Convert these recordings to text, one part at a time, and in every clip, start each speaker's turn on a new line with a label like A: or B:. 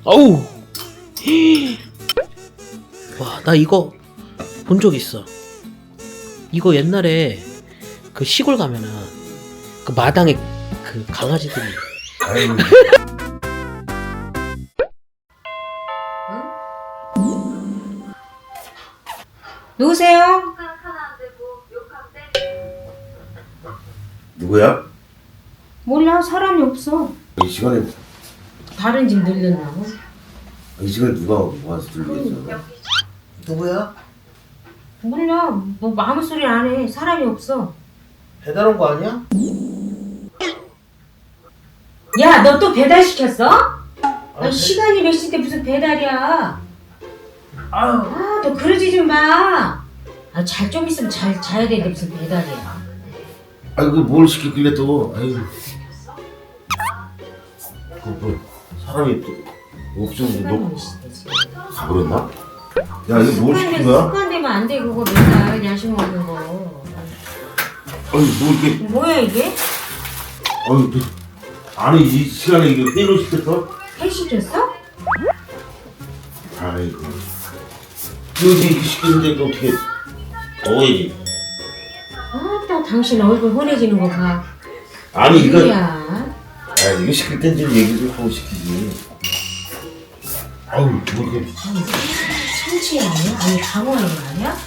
A: 어우. 와, 나 이거 본 적 있어. 이거 옛날에 그 시골 가면은 그 마당에 그 강아지들이.
B: 아유.
C: 누구세요?
B: 누구야?
C: 몰라, 사람이 없어.
B: 이 시간에
C: 다른 집 늘렸나고?
B: 이 시간에 누가 와서 들리겠어?
A: 누구야?
C: 몰라, 뭐 아무 소리 안 해. 사람이 없어.
A: 배달 온 거 아니야?
C: 야, 너 또 배달 시켰어? 아, 시간이 몇 시인데 무슨 배달이야? 아, 너 그러지 좀 마. 아, 잘 좀 있으면 잘 자야 되는데 무슨 배달이야?
B: 아이고 뭘 시켰길래 또? 아이고. 그 사람이 또 없으면
C: 시간이
B: 너
C: 몇 시인데 지금?
B: 가버렸나? 야 이거 뭘 시킨 거야?
C: 습관되면 안 돼, 그거 맨날 야식 먹는 거.
B: 아니 뭐 이렇게
C: 뭐야 이게?
B: 아니 또 아니 이 시간에 이거 회로 시켰어?
C: 회 시켰어?
B: 아이고 여기 이렇게 시켰는데 이거 어떻게 먹어야지?
C: 아따, 당신 얼굴 환해지는 거 봐.
B: 아니 이거
C: 누구야?
B: 아 이거 시킬 땐 좀 얘기 좀 하고 시키지. 아우 뭐 이렇게
C: 참치 아니야? 아니 강어 아니야?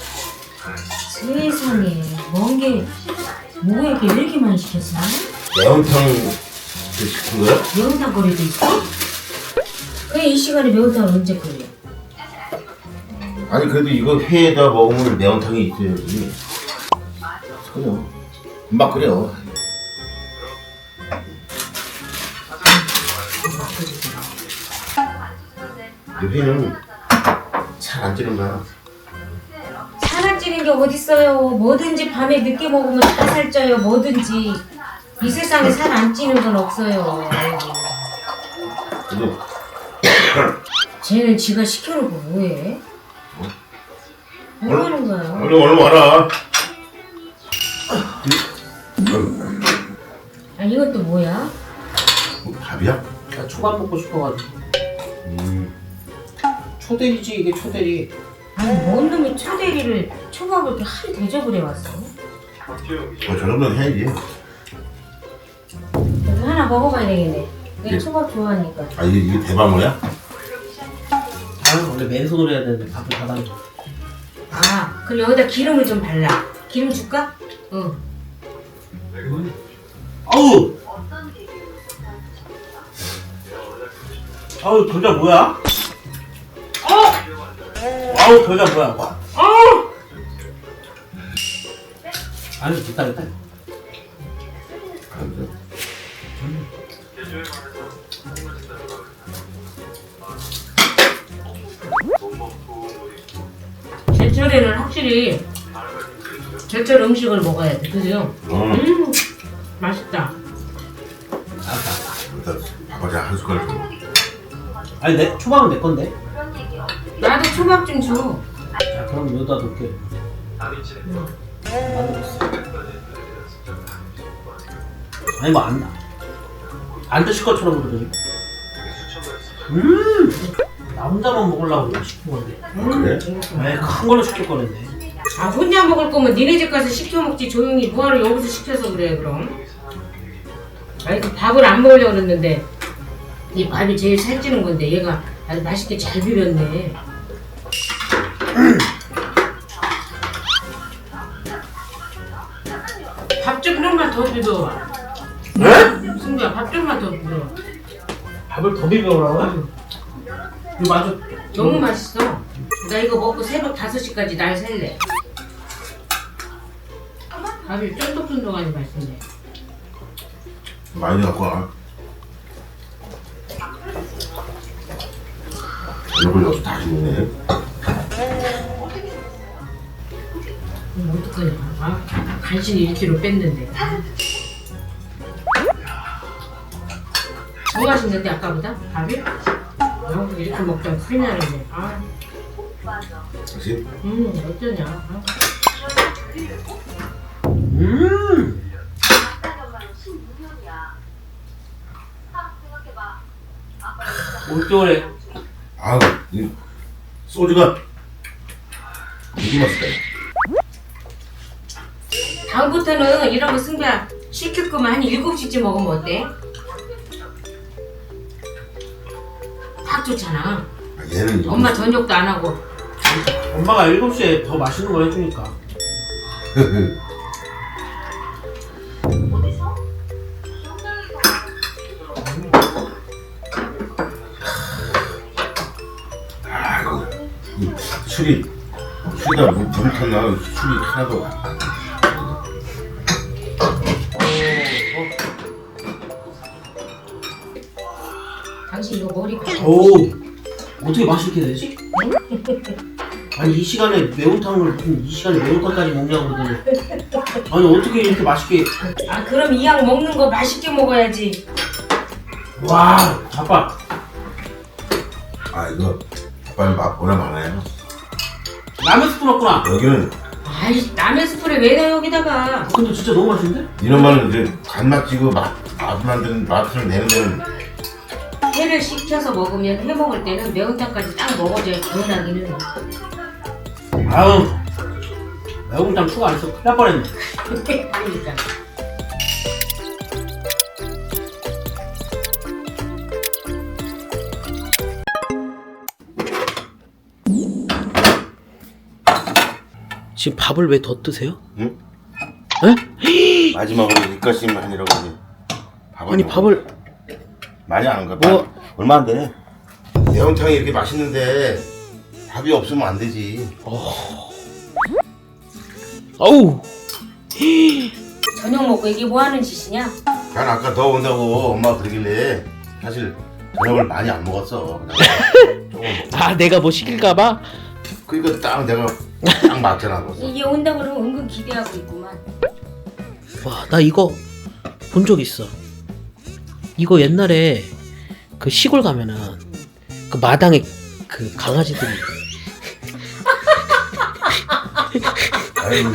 C: 세상에 뭔게 뭐야 이렇게 왜 이렇게 많이 시켰어?
B: 매운탕 시킨 거야?
C: 매운탕 거리도 있어? 왜 이 시간에 매운탕을 언제 끓여?
B: 아니 그래도 이거 회에다 먹으면 매운탕이 있어야지. 그래요. 금방 끓여. 이 회는 잘 안 찌는 거야.
C: 살 안 찌는 게 어딨어요? 뭐든지 밤에 늦게 먹으면 다 살쪄요. 뭐든지 이 세상에 살 안 찌는 건 없어요.
B: 그래도
C: 쟤는 지가 시켜놓고 뭐해? 뭐 하는 거야?
B: 얼른 와라.
C: 아 이건 또 뭐야?
B: 뭐, 밥이야?
A: 나 초밥 먹고 싶어가지고. 초대리지 이게 초대리.
C: 아니 뭔 놈이 초대리를 초밥을 이렇게 한 대접을 해왔어?
B: 뭐 저러면 해야지.
C: 그래서 하나 먹어봐야 되겠네. 내가
B: 예.
C: 초밥 좋아하니까.
B: 아 이게 대방어야?
A: 나는 원래 맨손으로 해야 되는데 밥을 다 담겨.
C: 아, 그럼 여기다 기름을 좀 발라. 기름 줄까? 응.
A: 아우! 아우, 겨자 뭐야? 아우, 겨자 뭐야? 아우! 아니, 됐다.
C: 제철에는 확실히 제철 음식을 먹어야 돼. 그죠? 맛있다.
B: 일단 밥을 한 숟갈 줘.
A: 아니, 내 초밥은 내 건데.
C: 나도 초밥 좀 줘.
A: 자, 그럼 여기다 놓을게. 아니, 뭐 안 드실 것처럼 그러더니. 나 혼자만 먹으려고 이거 시킨 건데.
B: 그래?
A: 왜 큰 걸로 시킬 거랬네.
C: 아, 혼자 먹을 거면 니네 집 가서 시켜 먹지. 조용히 뭐하러 여기서 시켜서 그래 그럼. 아니 그 밥을 안 먹으려고 그랬는데 이 밥이 제일 살찌는 건데 얘가 아주 맛있게 잘 비볐네. 밥 좀만 더 비벼.
A: 네?
C: 승주야, 밥 좀만 더 비벼.
A: 밥을 더 비벼오라고? 이거 아주
C: 너무 맛있어. 나 이거 먹고 새벽 5시까지 날 셀래. 밥이 쫀득쫀득하니 맛있네.
B: 많이 갖고 와. 이걸 여기서 다 주네.
C: 어떡하냐. 아, 간신히 1kg 뺐는데. 더 맛있는데 아까보다? 밥이? 이렇게 먹자면 큰일 나는데. 아,
B: 다시?
C: 어쩌냐. 아.
A: 올겨울에
B: 아우, 이 소주가 되게 맛있다.
C: 다음부터는 이런 거 승배야 시킬 거면 한 7시쯤 먹으면 어때? 딱 좋잖아.
B: 아, 얘는
C: 엄마 저녁도 안 하고.
A: 엄마가 7시에 더 맛있는 걸 해주니까.
B: 아이고, 술이다 물이 탔나? 술이 하나도 안 나.
C: 당신 이거 머리
A: 오, 어떻게 맛있게 되지? 아니 이 시간에 매운탕을 무슨 이 시간에 매운탕까지 먹냐고 그러더니 아니 어떻게 이렇게 맛있게.
C: 아 그럼 이 약 먹는 거 맛있게 먹어야지.
A: 와 아빠
B: 아, 이거 아빠는 맛보나 많아요.
A: 라면 스프 넣었구나.
B: 여기는
C: 아이 라면 스프를 왜 넣어 여기다가.
A: 근데 진짜 너무 맛있는데?
B: 이런 말은 이제 간맛 지고 맛을 내는 데는
C: 회를 식혀서 먹으면 회 먹을 때는 매운탕까지 딱 먹어줘야 개운하기는.
A: 아우 매운탕 추가 안 했어 큰일 날 뻔했네.
C: 그러니까.
A: 지금 밥을 왜 더 드세요?
B: 응?
A: 에?
B: 마지막으로 입가심만 하니라고 이제
A: 아니 밥을
B: 많이 안 가.
A: 뭐?
B: 얼마 안 돼. 매운탕이 이렇게 맛있는데 밥이 없으면 안 되지.
A: 어우
C: 저녁 먹고 이게 뭐 하는 짓이냐?
B: 난 아까 더 온다고 엄마가 그러길래 사실 저녁을 많이 안 먹었어. 그냥 조금 먹.
A: 아 내가 뭐 시킬까봐?
B: 그러니까 딱 내가 딱 맞잖아. 벌써.
C: 이게 온다 그러면 은근 기대하고 있구만.
A: 와 나 이거 본 적 있어. 이거 옛날에 그 시골 가면은 그 마당에 그 강아지들이
B: 아유,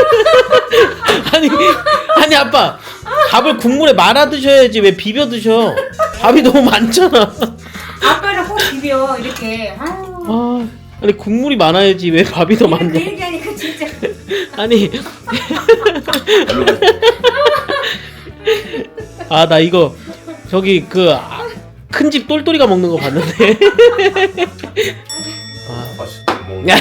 A: 아니 아빠 밥을 국물에 말아 드셔야지 왜 비벼 드셔. 밥이 너무 많잖아.
C: 아빠는 꼭 비벼 이렇게. 아유.
A: 아 아니 국물이 많아야지 왜 밥이 더
C: 그
A: 많냐.
C: 얘기하니까 진짜.
A: 아니 아 나 이거 저기 그 큰 집 똘똘이가 먹는 거 봤는데.
B: 맛있게 먹는.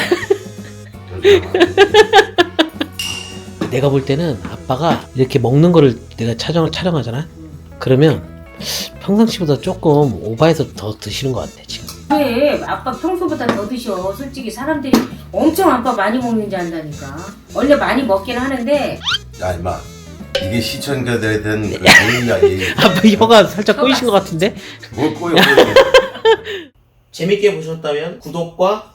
A: 내가 볼 때는 아빠가 이렇게 먹는 거를 내가 촬영하잖아. 그러면 평상시보다 조금 오바해서 더 드시는 것 같아 지금.
C: 왜 아빠 평소보다 더 드셔. 솔직히 사람들이 엄청 아빠 많이 먹는지 안다니까. 원래 많이 먹긴 하는데.
B: 야 임마, 이게 시청자들에 대한 그 예의야 예의.
A: 아빠 혀가 살짝 꼬이신 것 같은데?
B: 뭘 꼬여?
A: 재밌게 보셨다면 구독과